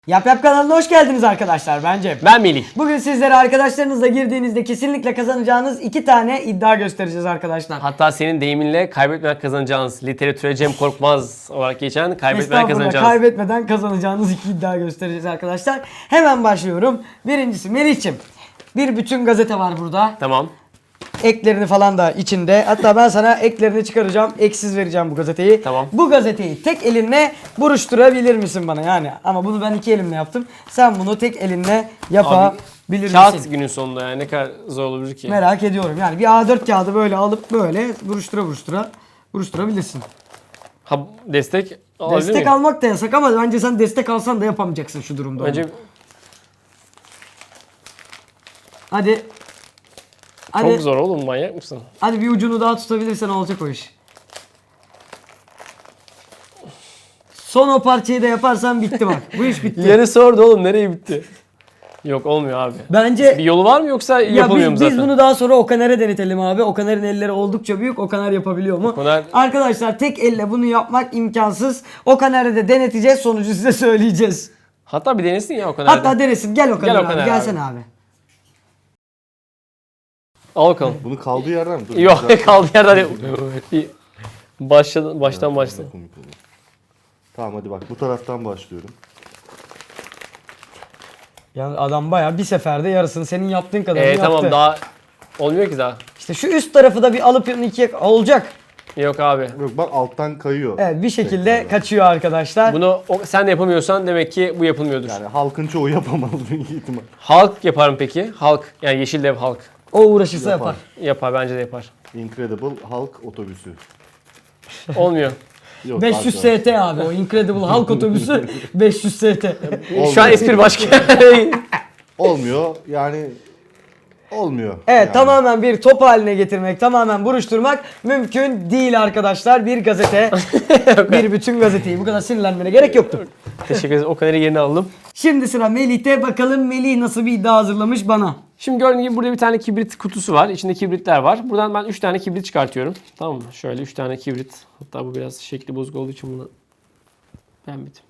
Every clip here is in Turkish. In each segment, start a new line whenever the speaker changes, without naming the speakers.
Yap Yap kanalına hoş geldiniz arkadaşlar.
Ben Melih.
Bugün sizlere arkadaşlarınızla girdiğinizde kesinlikle kazanacağınız 2 tane iddia göstereceğiz arkadaşlar.
Hatta senin deyiminle kaybetmeden kazanacağınız, literatüre Cem Korkmaz olarak geçen kaybetmeden
Estağfurullah,
kazanacağınız.
kaybetmeden kazanacağınız 2 iddia göstereceğiz arkadaşlar. Hemen başlıyorum. Birincisi Melih'ciğim. Bir bütün gazete var burada.
Tamam.
Eklerini falan da içinde. Hatta ben sana eklerini çıkaracağım. Eksiz vereceğim bu gazeteyi.
Tamam.
Bu gazeteyi tek elinle buruşturabilir misin bana yani? Ama bunu ben 2 elimle yaptım. Sen bunu tek elinle yapabilir misin?
Kağıt günün sonunda yani ne kadar zor olabilir ki?
Merak ediyorum. Yani bir A4 kağıdı böyle alıp böyle buruşturabilirsin.
Ha, destek alabilir
Destek
miyim?
almak da yasak ama bence sen destek alsan da yapamayacaksın şu durumda.
Önce
Hadi. Hadi.
çok zor oğlum, manyak mısın?
Hadi bir ucunu daha tutabilirsen olacak o iş. Son o parçayı da yaparsan bitti bak. Bu iş bitti.
Yarısı orada oğlum, nereye bitti? Yok, olmuyor abi.
Bence
Bir yolu var mı yoksa
ya
yapamıyor mu
biz
zaten?
bunu daha sonra Okaner'e denetelim abi. Okaner'in elleri oldukça büyük. Okaner yapabiliyor mu?
Okaner-
Arkadaşlar tek elle bunu yapmak imkansız. Okaner'e de deneteceğiz. Sonucu size söyleyeceğiz.
Hatta bir denesin ya o kadar.
Hatta denesin. Gel Okaner
Gel
abi.
Okaner
Gelsene abi.
Al bakalım.
Bunu kaldığı yerden mi? Dur,
Yok,
güzel.
kaldı yerden bir baştan başla.
Komik olur. Tamam hadi bak bu taraftan başlıyorum.
Yani adam bayağı bir seferde yarısını senin yaptığın kadarını yaptı.
Tamam, daha olmuyor ki daha.
İşte şu üst tarafı da bir alıp ikiye olacak.
Yok abi.
Yok bak alttan kayıyor.
Evet, bir şekilde kaçıyor arkadaşlar.
Bunu sen de yapamıyorsan demek ki bu yapılmıyordur.
Yani halkın çoğu yapamaz büyük ihtimal.
Halk yapar mı peki? Halk, yani Yeşil Dev halk.
O uğraşırsa yapar.
Yapar, bence de yapar.
Incredible Hulk otobüsü.
Olmuyor.
Yok,
500
arkadaşlar.
ST abi o Incredible Hulk otobüsü 500 ST.
Şu an espri başka.
Olmuyor yani olmuyor.
Evet,
yani.
tamamen bir top haline getirmek, tamamen buruşturmak mümkün değil arkadaşlar. Bir gazete, bir bütün gazeteyi bu kadar sinirlenmene gerek yoktu.
Teşekkür ederiz. O kadar yerine aldım.
Şimdi sıra Melih'te. Bakalım Melih nasıl bir iddia hazırlamış bana.
Şimdi gördüğünüz gibi burada bir tane kibrit kutusu var. İçinde kibritler var. Buradan ben 3 tane kibrit çıkartıyorum. Tamam mı? Şöyle 3 tane kibrit. Hatta bu biraz şekli bozuk olduğu için bunu beğenmedim.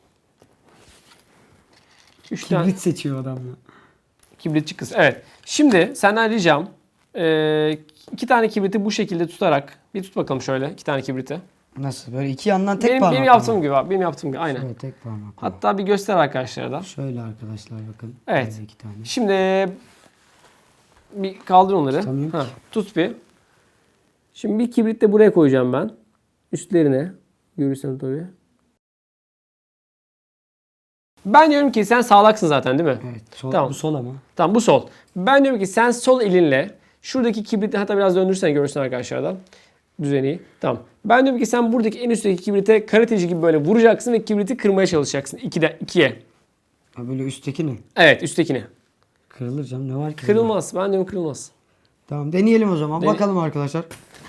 3 tane
Kibrit seçiyor adam ya.
kibritçi kız. Evet. Şimdi senden ricam 2 tane kibriti bu şekilde tutarak bir tut bakalım şöyle 2 tane kibriti.
Nasıl? Böyle iki yandan tek
Benim,
parmak.
benim yaptığım gibi abi. Benim yaptığım gibi aynen.
Şöyle tek parmak.
Hatta bir göster arkadaşlara da.
Şöyle arkadaşlar bakın.
Evet.
Böyle iki tane.
Şimdi bir kaldır onları.
Tutamıyorum ki.
Tut bir. Şimdi bir kibrit de buraya koyacağım ben. Üstlerine. Görürsen tabii. Ben diyorum ki sen sağlaksın zaten değil mi?
Evet. Sol,
Tamam.
Bu sol ama.
Tamam, bu sol. Ben diyorum ki sen sol elinle şuradaki kibriti, hatta biraz döndürürsen görürsün arkadaşlardan düzeni. Tamam. Ben diyorum ki sen buradaki en üstteki kibrite karateci gibi böyle vuracaksın ve kibriti kırmaya çalışacaksın. 2'ye.
Ha, böyle üstteki ne?
Evet, üsttekini.
Kırılır canım, ne var ki?
Kırılmaz. Ben diyorum kırılmaz.
Tamam, deneyelim o zaman.
Dene-
Bakalım arkadaşlar.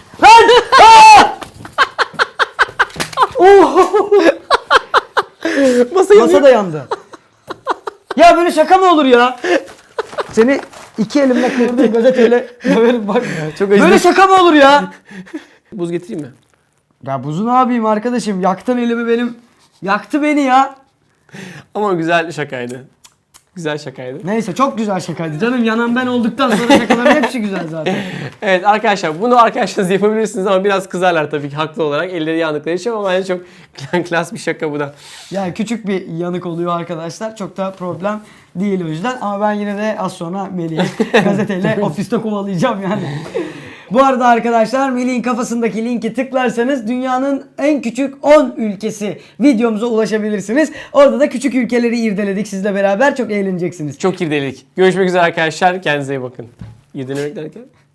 Masa da yandı. Ya böyle şaka mı olur ya? Seni 2 elimle kırdığım gazeteyle döverim bak.
Çok
Böyle şaka mı olur ya?
Buz getireyim mi?
Ya buzu ne yapayım arkadaşım? Yaktın elimi benim. Yaktı beni ya.
Ama güzel şakaydı. Güzel şakaydı.
Neyse, çok güzel şakaydı canım. Yanan ben olduktan sonra şakaların hepsi güzel zaten.
Evet arkadaşlar, bunu arkadaşlarınız yapabilirsiniz ama biraz kızarlar tabii ki haklı olarak. Elleri yandıkları için, ama bence çok klas bir şaka bu da.
Yani küçük bir yanık oluyor arkadaşlar. Çok da problem değil o yüzden. Ama ben yine de az sonra Melih'i gazeteyle ofiste kovalayacağım yani. Bu arada arkadaşlar, Melih'in kafasındaki linki tıklarsanız dünyanın en küçük 10 ülkesi videomuza ulaşabilirsiniz. Orada da küçük ülkeleri irdeledik sizle beraber. Çok eğleneceksiniz.
Çok irdeledik. Görüşmek üzere arkadaşlar. Kendinize iyi bakın. İrdelemek derken?